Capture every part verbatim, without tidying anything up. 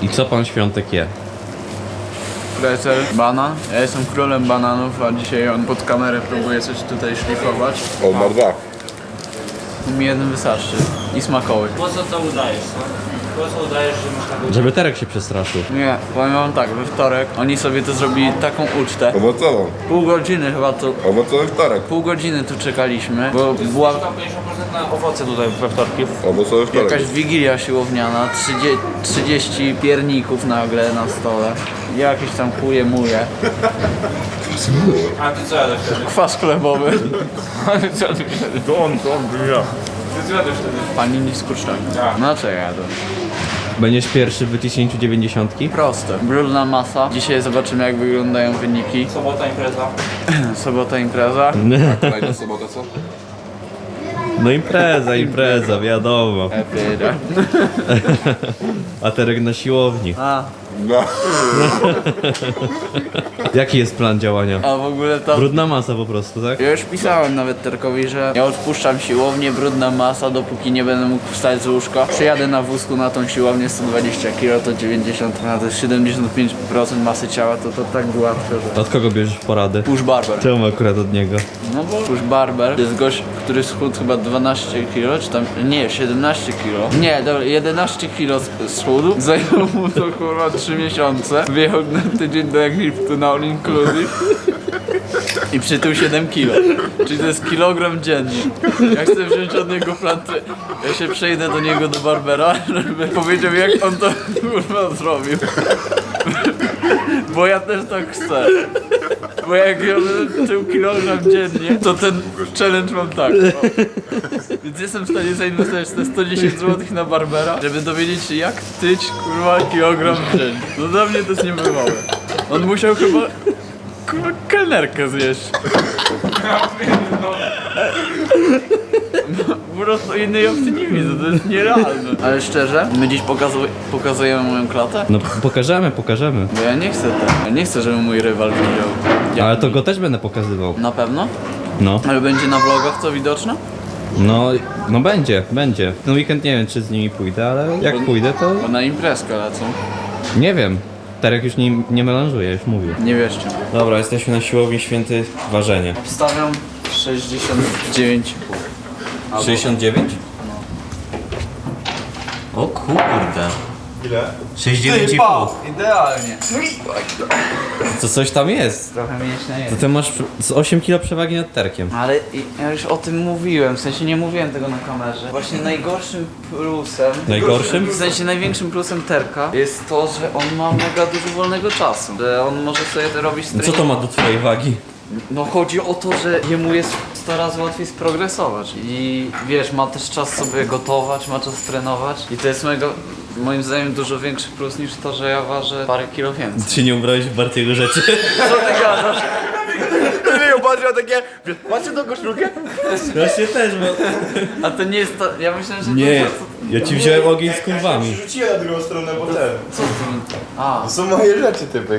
I co pan Świątek je? Pretzel, banan. Ja jestem królem bananów, a dzisiaj on pod kamerę próbuje coś tutaj szlifować. O, ma dwa. Mi jeden wystarczy. I smakoły. Po co to udajesz? No? Po co udajesz, że masz taką... Żeby Terek się przestraszył. Nie, powiem wam tak, we wtorek oni sobie to zrobili taką ucztę. Owocową. Pół godziny chyba to... Owocowy wtorek. Pół godziny tu czekaliśmy, bo była pięćdziesiąt procent na owoce tutaj we wtorki. Owocowy wtorek. jakaś wigilia siłowniana, trzydzieści, trzydzieści pierników nagle na stole. Jakieś tam chuje muje. A ty co jadłeś wtedy? Kwas chlebowy. A ty co jadłeś wtedy? To on, to on, ja. Ty co jadłeś wtedy? Panini z kurczami. No co ja jadłem? Będziesz pierwszy w wyciśnięciu dziewięćdziesiątki? Proste. Brudna masa. Dzisiaj zobaczymy jak wyglądają wyniki. Sobota impreza. Sobota impreza. Kolejna sobota, co? No impreza, impreza, wiadomo. Epira. A Terek na siłowni. A, No. Jaki jest plan działania? a w ogóle to... Brudna masa po prostu, tak? Ja już pisałem nawet Terkowi, że ja odpuszczam siłownię, brudna masa, dopóki nie będę mógł wstać z łóżka. Przyjadę na wózku na tą siłownię, sto dwadzieścia kilo to dziewięćdziesiąt, a to jest siedemdziesiąt pięć procent masy ciała, to to tak łatwe, że... Od kogo bierzesz porady? Push Barber. Czemu akurat od niego? No bo Push Barber to jest gość, który schudł chyba dwanaście kilo, czy tam... Nie, siedemnaście kilo. Nie, dobra, jedenaście kilo schudł. Zajęło mu to kurwa trzy miesiące. Wyjechał na tydzień do Egiptu na all inclusive. I przytył siedem kilo. Czyli to jest kilogram dziennie. Ja chcę wziąć od niego plan. Ja się przejdę do niego do barbera, żeby powiedział jak on to kurwa zrobił. Bo ja też tak chcę. Bo jak ja tył kilogram dziennie, to ten challenge mam tak. No. Więc jestem w stanie zainwestować te sto dziesięć złotych na barbera, żeby dowiedzieć się jak tyć kurwa kilogram dziennie. No dla mnie to jest niebywałe. On musiał chyba kurwa kelnerkę zjeść. Po prostu innej opcji nie widzę, to jest nierealne. Ale szczerze, my dziś pokazu- pokazujemy moją klatę? No pokażemy, pokażemy. Bo ja nie chcę tak. Ja nie chcę, żeby mój rywal widział. Jak Ale to go też będę pokazywał. Na pewno? No. Ale będzie na vlogach co widoczne? No, no będzie, będzie. Ten weekend nie wiem czy z nimi pójdę, ale jak pójdę to Bo na imprezkę lecą. nie wiem. Terek już nie, nie melanżuje, już mówił. Nie wierzcie. Dobra, jesteśmy na siłowni Święty Ważenie. Obstawiam sześćdziesiąt dziewięć. sześćdziesiąt dziewięć? O kurde. Ile? sześćdziesiąt dziewięć i pół. Idealnie. To coś tam jest. Trochę mięśnia To jest. ty masz z osiem kilo przewagi nad Terkiem. Ale i- ja już o tym mówiłem, w sensie nie mówiłem tego na kamerze. Właśnie najgorszym plusem... Najgorszym? W sensie największym plusem Terka jest to, że on ma mega dużo wolnego czasu. Że on może sobie to robić No co to ma do twojej wagi? No chodzi o to, że jemu jest sto razy łatwiej sprogresować i wiesz, ma też czas sobie gotować, ma czas trenować i to jest mega, moim zdaniem dużo większy plus niż to, że ja ważę parę kilo więcej. Czy nie ubrałeś w Bartiego rzeczy? Co ty gadasz? Nie, patrzę takie... Patrzcie tą koszulkę? Właśnie też, bo... A to nie jest to, ja myślę, że Nie, to... ja ci wziąłem ogień z kurwami. Rzuciłem na drugą stronę, bo ten... Co ty? A, To są moje rzeczy, typek.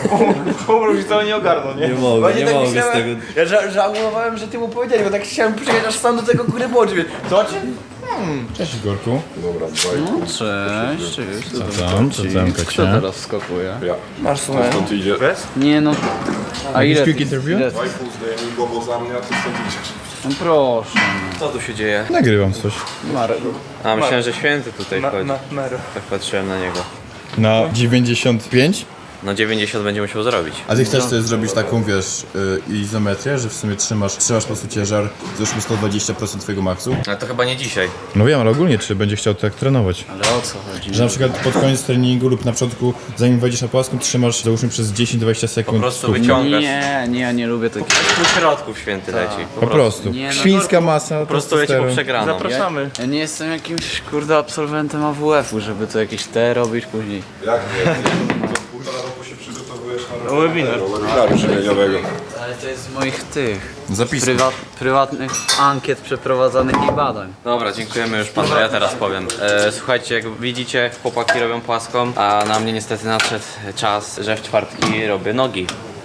Pomóż to nie ogarnął, nie? Nie mogę, Właśnie nie tak mogę z myślałem- tego... Ja ża- żałowałem, że ty mu powiedzieli, bo tak chciałem przyjechać aż sam do tego góry boczy. Co ci? Cześć Igorku. Dobra, dwaj. no cześć, cześć. Co tam? Co tam, Kto Kacia? teraz skakuje? Ja. Masz słuchaj. Stąd idzie. Nie no. A ile? quick ty- interview? ile ty- Dwaj pół zdejmij głową za mnie, a ty stąd idziesz. No proszę. Co tu się dzieje? Nagrywam coś. Marek. A myślałem, że święty tutaj wchodzi. Tak patrzyłem na niego. Na dziewięćdziesiąt pięć? No dziewięćdziesiąt będzie musiał zrobić. A ty chcesz sobie zrobić taką, wiesz, y, izometrię, że w sumie trzymasz, trzymasz po prostu ciężar, zeszło sto dwadzieścia procent twojego maksu? Ale to chyba nie dzisiaj. No wiem, ale ogólnie czy będzie chciał tak trenować? Ale o co chodzi? Że na przykład pod koniec treningu lub na początku, zanim wejdziesz na płaską, trzymasz załóżmy przez dziesięć do dwudziestu Po sekund prostu stóp. wyciągasz. Nie, nie, ja nie lubię takich. Po środku święty leci. Po prostu. Nie, no Świńska masa, Po prostu leci po przegraną. Ja, ja nie jestem jakimś kurde absolwentem A W F-u, żeby to jakieś te robić później. Jak nie? To półtora roku się przygotowujesz na Webinar. webinaru żywieniowego. Ale to jest z moich tych Zapisów. prywa prywatnych ankiet przeprowadzanych i badań. Dobra, dziękujemy już panu, ja teraz powiem. E, słuchajcie, jak widzicie, chłopaki robią płaską, a na mnie niestety nadszedł czas, że w czwartki robię nogi.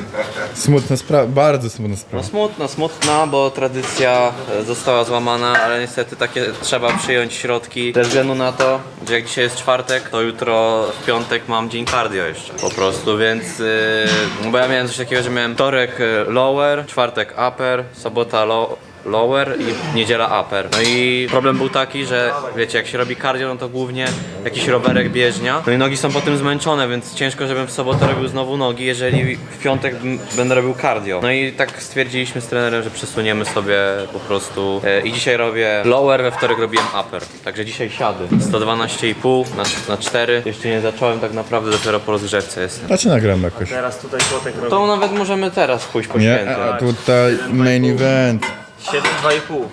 Smutna sprawa, bardzo smutna No sprawa. smutna, smutna, bo tradycja e, została złamana, ale niestety takie trzeba przyjąć środki ze względu na to, że jak dzisiaj jest czwartek, to jutro w piątek mam dzień cardio jeszcze po prostu, więc yy, no bo ja miałem coś takiego, że miałem wtorek y, lower, czwartek upper, sobota low, lower i niedziela upper. No i problem był taki, że wiecie, jak się robi cardio, no to głównie jakiś rowerek, bieżnia. No i nogi są po tym zmęczone, więc ciężko, żebym w sobotę robił znowu nogi, jeżeli w piątek m- będę robił cardio. No i tak stwierdziliśmy z trenerem, że przesuniemy sobie po prostu e, i dzisiaj robię lower, we wtorek robiłem upper. Także dzisiaj siady. sto dwanaście i pół na, na cztery. Jeszcze nie zacząłem tak naprawdę, dopiero po rozgrzewce jestem. Znaczy nagram jakoś. Teraz tutaj Złotek robi To nawet możemy teraz pójść po Nie, święty. a tutaj main event. siedem dwa i pół.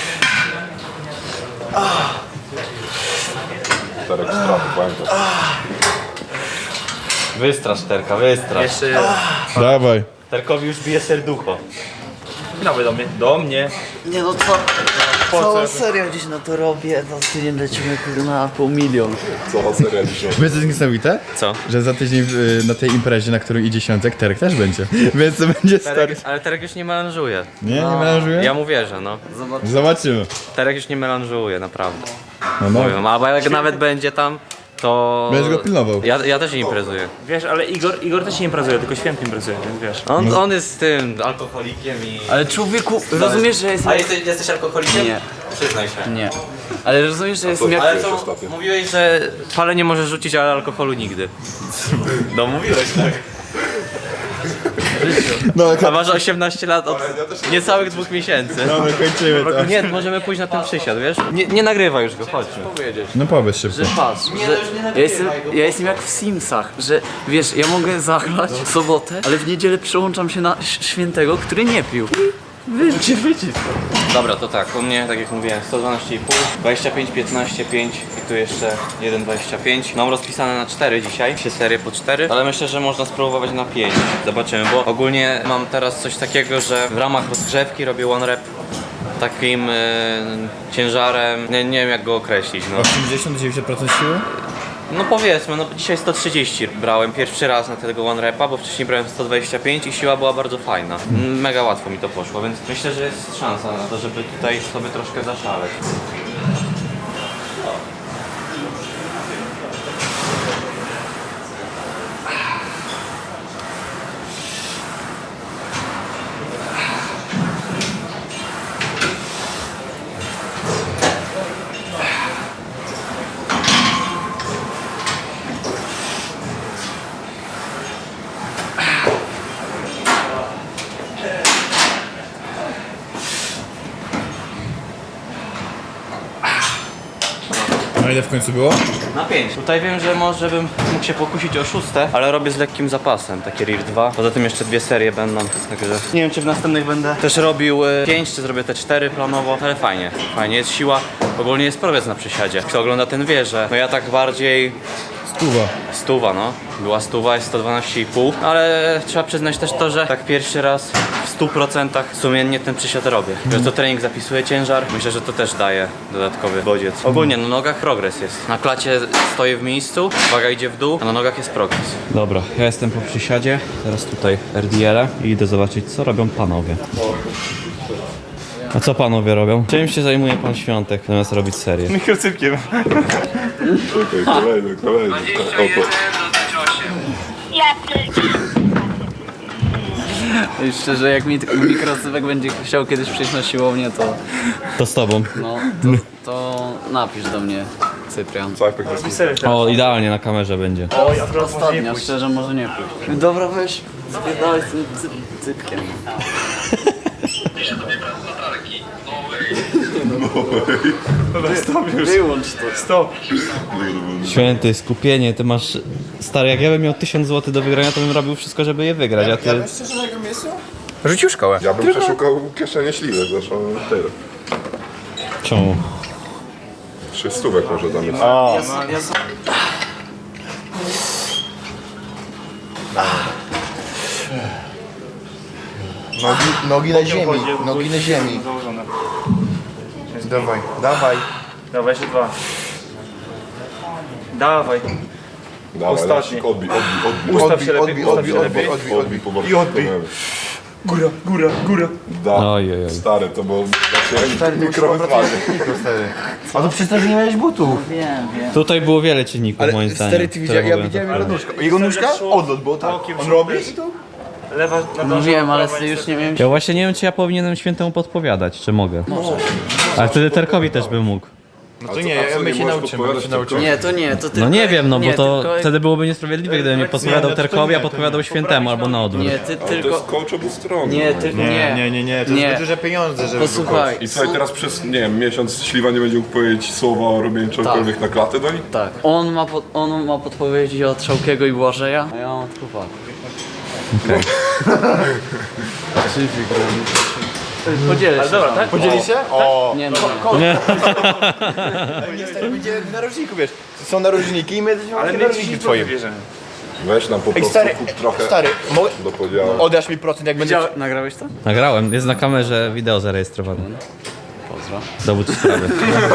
Wystrasz Terka, wystrasz. Jeszcze Dawaj. Terkowi już bije serducho. nowy do mnie. Do mnie. Nie no co? Całą serię gdzieś na to robię, za tydzień lecimy kurde na pół milion. Wiesz co jest niesamowite? Co? Że za tydzień y, na tej imprezie, na którą idzie Świątek, Terek też będzie. Więc to będzie stary. Terek, ale Terek już nie melanżuje. Nie, nie melanżuje? Ja mu wierzę, no. Zobaczymy. Terek już nie melanżuje, naprawdę. No, no. Mówię, albo jak nawet będzie tam, to... Będziesz go pilnował. Ja, ja też nie imprezuję. Wiesz, ale Igor, Igor też nie imprezuje, tylko Święty imprezuje, więc wiesz. On, on jest tym alkoholikiem i... Ale człowieku, rozumiesz, że jestem... A jesteś, jesteś alkoholikiem? Nie. Przyznaj się. Nie. Ale rozumiesz, że jestem jak... Ale co, mówiłeś, że pale nie możesz rzucić, ale alkoholu nigdy. No mówiłeś tak. No, A masz osiemnaście lat od niecałych dwóch miesięcy. Dobra, kończymy to. Nie, możemy pójść na ten przysiad, wiesz? Nie, nie nagrywaj już go, chodźmy. No powiedz szybko. Że patrz, że ja jestem, ja jestem jak w Simsach, że wiesz, ja mogę zagrać w sobotę, ale w niedzielę przełączam się na ś- świętego, który nie pił. Wyjdźcie, wyjdźcie. Dobra, to tak, u mnie, tak jak mówiłem, sto dwanaście i pół, dwadzieścia pięć, piętnaście, pięć i tu jeszcze jeden dwadzieścia pięć. Mam rozpisane na cztery dzisiaj, trzy serie po cztery, ale myślę, że można spróbować na pięć. Zobaczymy, bo ogólnie mam teraz coś takiego, że w ramach rozgrzewki robię one rep takim y, ciężarem, nie, nie wiem jak go określić, no. osiemdziesiąt do dziewięćdziesięciu procent siły? No powiedzmy, no dzisiaj sto trzydzieści brałem pierwszy raz na tego one repa, bo wcześniej brałem sto dwadzieścia pięć i siła była bardzo fajna. Mega łatwo mi to poszło, więc myślę, że jest szansa na to, żeby tutaj sobie troszkę zaszaleć. No ile w końcu było? Na pięć. Tutaj wiem, że może bym mógł się pokusić o szóste, ale robię z lekkim zapasem, takie R I R dwa. Poza tym jeszcze dwie serie będą, także nie wiem czy w następnych będę też robił pięć, czy zrobię te cztery planowo, ale fajnie, fajnie, jest siła. Ogólnie jest progres na przysiadzie. Kto ogląda ten wie, że no ja tak bardziej Stuwa. stuwa, no. Była stuwa, jest sto dwanaście i pół, ale trzeba przyznać też to, że tak pierwszy raz w stu procentach sumiennie ten przysiad robię. Że to trening zapisuje ciężar, myślę, że to też daje dodatkowy bodziec. Ogólnie na nogach progres jest. Na klacie stoję w miejscu, waga idzie w dół, a na nogach jest progres. Dobra, ja jestem po przysiadzie, teraz tutaj R D L i idę zobaczyć co robią panowie. A co panowie robią? Czym się zajmuje pan Świątek, zamiast robić serię? Mikrocypkiem. Kolejny, kolejny. Oto. I szczerze, jak mi mikrocypek będzie chciał kiedyś przyjść na siłownię, to To z tobą. no, to, to napisz do mnie, Cyprian. Cypek jest Serio teraz. O, idealnie na kamerze będzie. Oj, akurat może nie Ostatnia, pójść. szczerze, może nie pójść. Dobra, weź, zbiedałeś z tym cy cypkiem. Dobra, stop już. Wyłącz to. Stop. Święty, skupienie, ty masz... Stary, jak ja bym miał tysiąc złotych do wygrania, to bym robił wszystko, żeby je wygrać, a ty... Szczerze, na jego miejscu? Rzucił szkołę. Ja bym przeszukał kieszenie śliwek, zresztą tyle. Czemu? Trzy stówek może damy. Nogi, nogi na ziemi, Chodzi, nogi na ziemi. Założone. Dawaj, dawaj. Dawaj, jeszcze dwa. Dawaj. Dawaj, Ostatni. Lasik, odbij, odbij, odbij. Ustaw się lepiej, ustaw Odbij, się odbij, lepiej. odbij, odbij, po I odbij. Góra, góra, góra. Da, Oj, oj, oj. stary, to było znaczy mikrowyzwanie. A to przez to, że nie miałeś butów. Wiem, wiem. Tutaj było wiele czynników moim zdaniem. Stary, ty widziałeś, ja widziałem jego nóżkę. Jego nóżka? Odlot, bo tak. On robi? Lewa, No wiem, ale już nie wiem. Ja właśnie nie wiem, czy ja powinienem świętemu podpowiadać, czy mogę. Może. Ale wtedy Terkowi też by mógł. No to nie, ja my się nauczymy, my się nauczymy. Nie, to nie, to tylko... No nie wiem, no bo nie, to tylko- wtedy byłoby niesprawiedliwe, gdybym nie podpowiadał Terkowi, a podpowiadał świętemu, albo na odwrót. Nie, ty To tylko... jest coach obustronny. Nie, ty, nie, Nie, nie, nie, nie, to Nie. jest zbyt duże pieniądze, żeby... Posłuchaj. I słuchaj, teraz przez, nie wiem, miesiąc Śliwa nie będzie mógł powiedzieć słowa o robieniu czegokolwiek na klatę do nich? Tak. On ma, pod, on ma podpowiedzi od Szałkiego i Błażeja, a ja mam od Kupa. Podzielę się. Ale dobra, tak? Podzieli się? O, Nie no, niestety będzie w narożniku, wiesz. Są narożniki i my jesteśmy ale narożniki twoim. Weź nam po Ej, prostu stary, kup trochę stary, mogę... do podziału. Oddasz mi procent, jak będzie... Widział, nagrałeś to? Nagrałem, jest na kamerze wideo zarejestrowane. Pozdro. Dowód sprawy.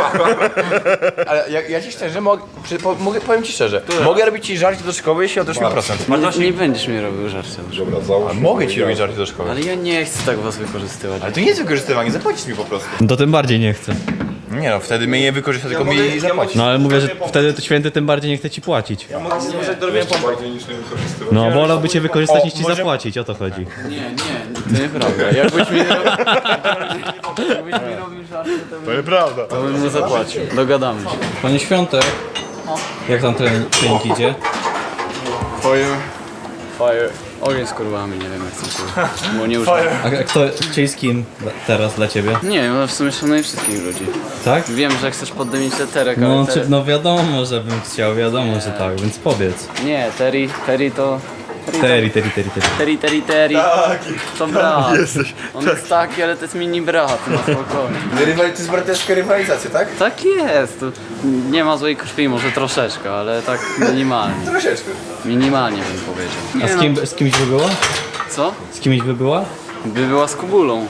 Ale ja, ja ci szczerze mogę, przy, po, mogę, powiem ci szczerze, mogę robić ci żarcie do szkoły, jeśli oddasz mi procent. Nie, nie będziesz mi robił żarcia. Dobra, załóż. Mogę ci robić żarcie do szkoły. Ale ja nie chcę tak was wykorzystywać. Ale to nie jest wykorzystywanie, zapłacisz mi po prostu. To tym bardziej nie chcę. Nie no, wtedy mnie nie wykorzysta, tylko mi zapłacisz. No ale mówię, że wtedy to święty tym bardziej nie chce ci płacić. Jeszcze bardziej niż nie wykorzystywać. No wolałby cię wykorzystać O, niż ci może- zapłacić, o to chodzi. Nie, nie, to nieprawda. Jakbyś mi robił, jakbyś mi robił żarcie, to bym, Nieprawda. to bym mu zapłacił. Dogadamy się. Panie Świątek, jak tam ten trening idzie? Fire. Fire. Ogień z kurwami, nie wiem jak chcę się. Bo nie używam. A a kto, czyli z kim teraz dla ciebie? Nie, no w sumie szanuję wszystkich ludzi. Tak? Wiem, że chcesz poddymić te Terek, ale No, te... czy, no wiadomo, że bym chciał, wiadomo, że tak, więc powiedz. Nie, Terry, Terry to... Teri, teri, teri, teri. Terry, Terry, Terry. To brat. On jest taki, ale to jest mini brat, no spokojnie. To jest braterska rywalizacja, tak? Tak jest. To nie ma złej krwi, może troszeczkę, ale tak minimalnie. Troszeczkę. Minimalnie bym powiedział. A z, kim, z kimś by była? Co? Z kimś by była? By była z Kubulą.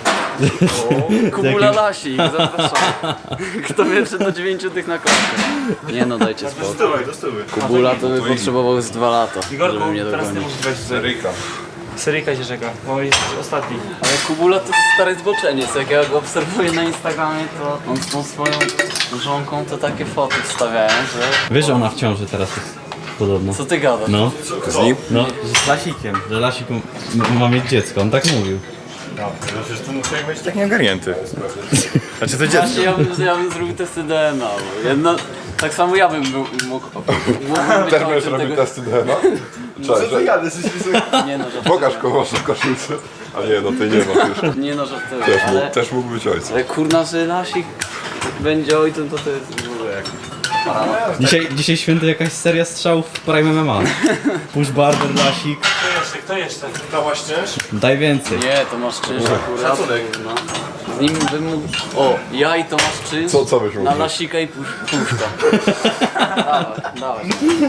Kubula Lasik, zapraszam. Kto pierwszy do dziewięciu tych na klatkę? Nie no, dajcie spokój. Kubula to by potrzebował z dwa lata, żeby mnie dogonić. Seryjka. Seryjka się czeka, bo jest ostatni. Ale Kubula to jest stary zboczeniec, jak ja go obserwuję na Instagramie, to on z tą swoją żonką to takie foty wstawiają, że... Wiesz, że ona w ciąży teraz jest podobno. Co ty gadasz? No, Z nim? no, że z Lasikiem, że Lasik m- ma mieć dziecko, on tak mówił. No przecież to musi być taki ogarnięty. Znaczy to dziecko. Właśnie ja bym, ja bym zrobił testy D N A, bo jedna... Tak samo ja bym był- mógł... mógłbym być Też będziesz ojcem robił tego... testy D N A? Cześć, że... Nie no, że Pokaż kogoś w koszulce. A nie, no ty nie masz już. Nie no, żartuję, Też, mógł, ale... też mógł być ojcem. Ale kurna, że Lasik będzie ojcem, to to jest w ogóle jak... Dzisiaj, dzisiaj święty jakaś seria strzałów w Prime M M A. Push Barber, Lasik, Kto jeszcze, kto jeszcze? Dałaś czynsz? daj więcej. Nie, Tomasz Czynsz akurat. No. Z nim bym mógł... O, ja i Tomasz Czynsz Co- co byś mógł na być? Lasika i pusz, Puszka. Dawaj, dawaj.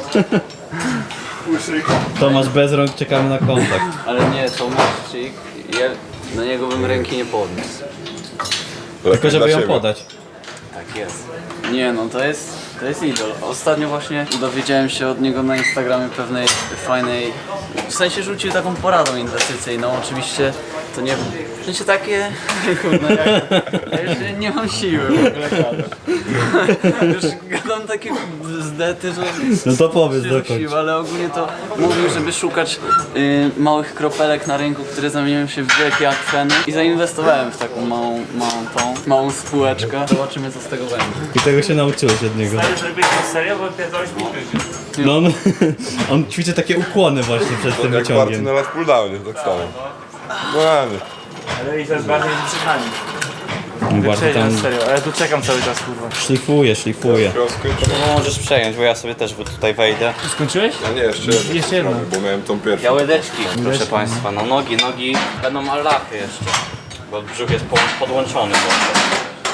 Tomasz bez rąk, czekamy na kontakt. Ale nie, Tomaszczyk, ja na niego bym ręki nie podniósł. Tylko żeby ją siebie. podać. Tak jest. Nie no, to jest, to jest idol. Ostatnio właśnie dowiedziałem się od niego na Instagramie pewnej fajnej... W sensie rzucił taką poradą inwestycyjną, oczywiście to nie... W sensie takie... Kurde, ja, ja już nie mam siły w ogóle gadać. Już gadam takie zdety, że... No to powiedz się dokończ. rzucił, ale ogólnie to mówił, żeby szukać y, małych kropelek na rynku, które zamieniają się w wielkie akweny i zainwestowałem w taką małą, małą tą, małą spółeczkę. Zobaczymy co z tego będzie. I tego się nauczyłeś od niego. Ale zrobiłeś to serio, bo pierdolisz mi kryzys. No on, on ćwiczy takie ukłony właśnie przed tym Jak Barty wyciągiem. na lat pulldownie, tak samo. No nie. Ale i teraz bardziej niż przed nami. Bardziej Przejdź tam na serio, ale tu czekam cały czas, kurwa. szlifuje, szlifuje. No możesz przejąć, bo ja sobie też tutaj wejdę. Skończyłeś? A nie, jeszcze jedno. Jeszcze jedno. Bo miałem tą pierwszą. Ja łydeczki, proszę państwa, no nogi, nogi, będą allachy jeszcze. Bo brzuch jest po- podłączony właśnie.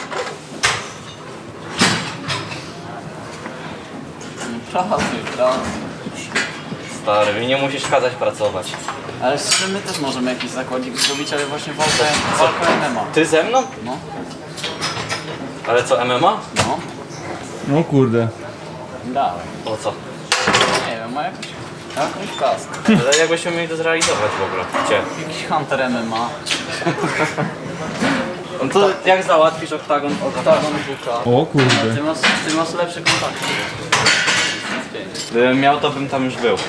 Pracuj, pracuj. Stary, mi nie musisz kazać pracować. Ale z czym my też możemy jakiś zakładnik zrobić, ale właśnie walkę, walkę M M A. Ty ze mną? No. Ale co, M M A? No. No kurde. Dawaj. Po co? Nie wiem, ma jakiś, jakąś kask. Ale jakbyśmy mieli to zrealizować w ogóle. Gdzie? Jakiś Hunter M M A. No to jak załatwisz oktagon? Oktagon W K. O kurde. Ty masz, ty masz lepsze kontakty. Gdybym miał, to bym tam już był.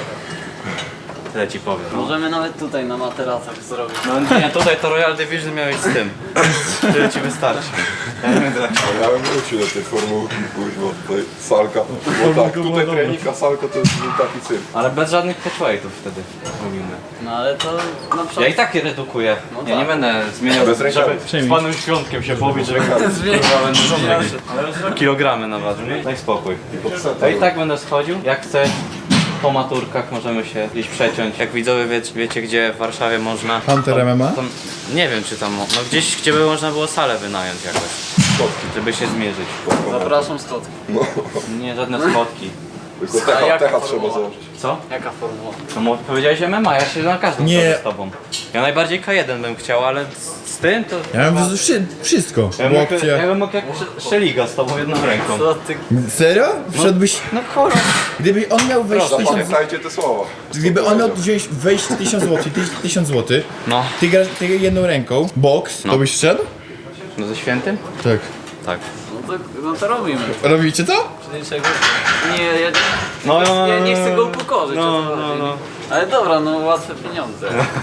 Tyle ci powiem. Możemy nawet tutaj na materacach zrobić. No nie, tutaj to Royal Division miałeś z tym. Tyle ci wystarczy. Ja nie będę tak. Ja bym wrócił do tej formułki, kurwa, tutaj salka. Bo tak, tutaj trening, a salka to jest taki cyrk. Ale bez żadnych catchweightów wtedy robimy. No ale to na przykład... Ja i tak je redukuję. No Ja nie tak. będę zmieniał, Bez rękawy. żeby z panem Świątkiem się pobić, że kurwa będę zmieniał. Kilogramy naważył, nie? Daj spokój. Ja i tak będę schodził, jak chcesz. Po maturkach możemy się gdzieś przeciąć. Jak widzowie wie, wiecie, gdzie w Warszawie można. Hunter M M A? To, nie wiem czy tam, no gdzieś gdzie by można było salę wynająć jakoś. Żeby się zmierzyć. Zapraszam Scott. Nie, żadne schodki. Tylko A techa, jaka techa formuła? trzeba założyć. Co? Jaka formuła? No mo- powiedziałeś M M A, ja się na każdą Nie. zgodzę z tobą. Ja najbardziej K jeden bym chciał, ale z, z tym to... Ja mam wszy- wszystko. Ja bym, mógł, ja Łokcie. bym mógł jak Sz- Szeliga z tobą jedną ręką. Co ty... Serio? Wszedłbyś... No kurwa. Gdyby on miał wejść tysiąc... Zapamiętajcie te słowa. Gdyby on miał wziąć wejść tysiąc złotych, ty tysiąc złotych, No. ty grasz ty jedną ręką, boks, No. to byś wszedł? No ze świętym? Tak. Tak. No to, no to robimy. Robicie to? Niczego... Nie, ja, No, no, no, ja nie chcę go no, upokorzyć. no, o co no, chodzi. no. Ale dobra, no łatwe pieniądze.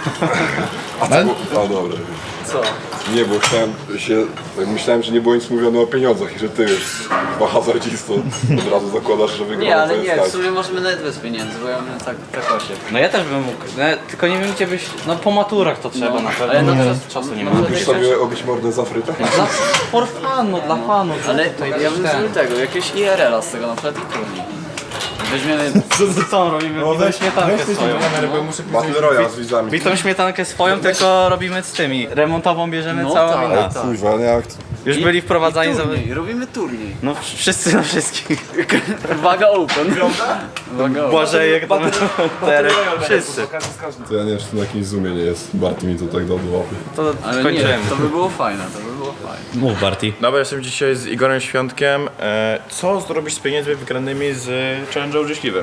Ale... No dobra. Co? Nie, bo chciałem się, tak myślałem, że nie było nic mówione o pieniądzach i że ty już chyba hazardzistą od razu zakładasz, że wygrał. Nie, ale to jest nie, tak. w sumie możemy nawet bez pieniędzy, bo ja mam tak, tak osiem. No ja też bym mógł, no, tylko nie wiem gdzie byś, no po maturach to trzeba No, na pewno, ale na no, przykład- czasu nie na ma. przykład- Mógłbyś sobie obić mordę za frytę? Dla, for funu, dla fanu. Ale tutaj ja bym ten. zrobił tego, jakiegoś I R L-a z tego na przykład i turniej. Weźmiemy... Co, co on robimy? No Bitą weź, śmietankę weź swoją. tą kamerę, bo ja muszę Battle pisać... Royale z widzami. Bitą śmietankę swoją, tylko robimy z tymi. Remontową bierzemy No całą tak, i na. tak. Kurwa, nie jak to... Już byli wprowadzani za... turniej, robimy turniej. No wszyscy na wszystkich. Waga open. Waga open. Błażejek, tam Terek, wszyscy. To ja nie wiem, czy to na jakimś zoomie nie jest. Barty mi to tak dał do łapy. To Ale nie, kończymy. to by było fajne, to by było fajne. Mów Barty. Dobra, jestem dzisiaj z Igorem Świątkiem. E, co zrobić z pieniędzmi wygranymi z Challenge'u Życzliwy?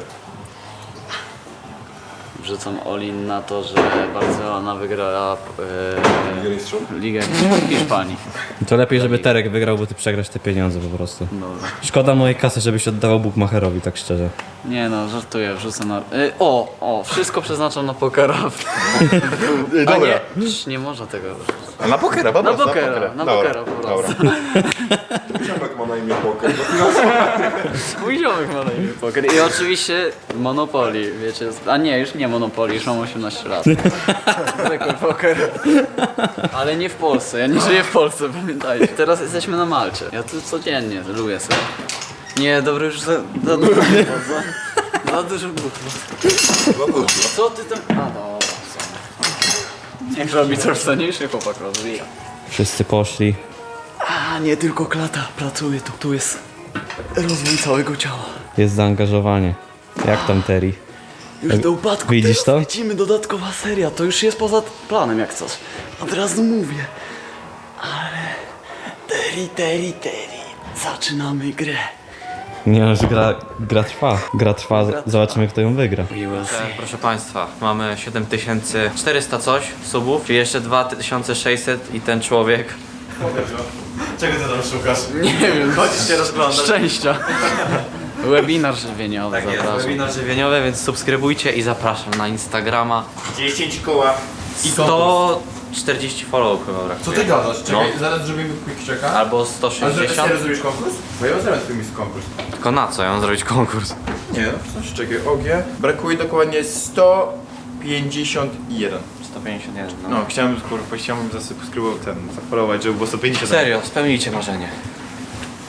Wrzucam all-in na to, że Barcelona wygrała Ligę Mistrzów? e, Ligę Hiszpanii. To lepiej, żeby Terek wygrał, bo ty przegrasz te pieniądze po prostu. Dobra. Szkoda mojej kasy, żebyś oddawał Bukmacherowi, tak szczerze. Nie no, żartuję, wrzucę na... E, o, o, wszystko przeznaczam na pokera. A Dobra. nie, Cz, nie można tego robić. A na pokera, po Na prostu, pokera, na Dobra, pokera po prostu. Dobra. Ziomek ma na imię Poker. Mój ziomek ma na imię poker. I oczywiście Monopoly, wiecie, a nie, już nie Monopoly, już mam osiemnaście lat. Zwykły poker. Ale nie w Polsce, ja nie żyję w Polsce, pamiętajcie. Teraz jesteśmy na Malcie. Ja tu codziennie lubię sobie. Nie, dobra, już za, za dużo za, za dużo głupot. Co ty tam... A no, niech robi coś wstaniejszy chłopak rozwija. Wszyscy poszli. A nie tylko klata pracuje tu, tu jest rozwój całego ciała. Jest zaangażowanie. Jak tam Terry? Już do upadku. Widzisz teraz to? Lecimy, dodatkowa seria, to już jest poza planem jak coś. Od razu mówię. Ale... Terry, Terry, Terry. Zaczynamy grę. Nie no, że gra, gra trwa. Gra trwa, zobaczymy kto ją wygra. We will see. Proszę Państwa, mamy siedem tysięcy czterysta coś subów, czyli jeszcze dwa tysiące sześćset i ten człowiek. Czego ty tam szukasz? Nie wiem, Chodzisz się rozglądać. szczęścia. Webinar żywieniowy, Tak jest, zapraszam. webinar żywieniowy, więc subskrybujcie i zapraszam na Instagrama. dziesięć koła. sto czterdzieści followów chyba brakuje. Co ty gadasz? Czekaj, No. zaraz zrobimy quick checka. Albo sto Ale sześćdziesiąt. serio zrobisz konkurs? Bo ja zrobię twój konkurs. Tylko na co? Ja mam zrobić konkurs. Nie no, coś czekaj, O G. Brakuje dokładnie sto pięćdziesiąt jeden. sto pięćdziesiąt jeden, no. No, chciałem, kurwa, chciałem zasubskrybować ten, zafollowować, żeby było sto pięćdziesiąt. Serio, spełnijcie marzenie.